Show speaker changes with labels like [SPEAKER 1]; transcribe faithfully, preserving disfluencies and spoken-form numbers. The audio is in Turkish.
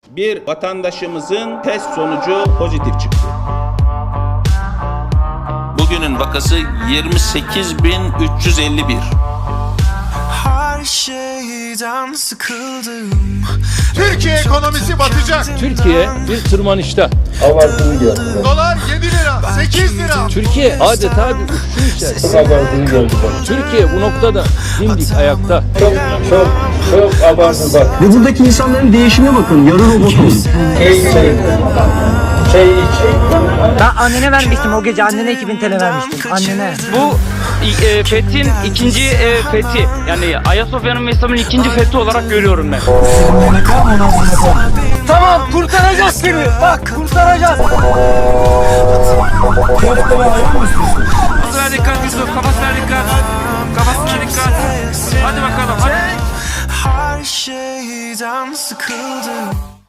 [SPEAKER 1] Bir vatandaşımızın test sonucu pozitif çıktı. Bugünün vakası yirmi sekiz bin üç yüz elli bir.
[SPEAKER 2] Her şeyden sıkıldım.
[SPEAKER 3] Türkiye ekonomisi batacak.
[SPEAKER 4] Türkiye bir tırmanışta.
[SPEAKER 5] Abartılı geldi.
[SPEAKER 3] Dolar yedi lira, sekiz lira.
[SPEAKER 4] Türkiye adeta bir uçuşun içerisinde.
[SPEAKER 5] Çok abartılı geldi bak.
[SPEAKER 4] Türkiye bu noktada dimdik ayakta.
[SPEAKER 5] Çok çok çok abartılı bak.
[SPEAKER 6] Ve buradaki insanların değişime bakın. Yarı robot oldu.
[SPEAKER 5] Şey şey. Şey iç.
[SPEAKER 7] Ben annene vermiştim o gece, annene iki bin T L vermiştim, annene.
[SPEAKER 8] Bu e, fethin ikinci e, fethi, yani Ayasofya'nın ve İslam'ın ikinci fethi olarak görüyorum ben.
[SPEAKER 7] Tamam, kurtaracağız seni, bak kurtaracağız.
[SPEAKER 8] Kafasına dikkat Yusuf, kafasına dikkat. Kafasına dikkat. Hadi bakalım, hadi.
[SPEAKER 2] Her şeyden sıkıldım.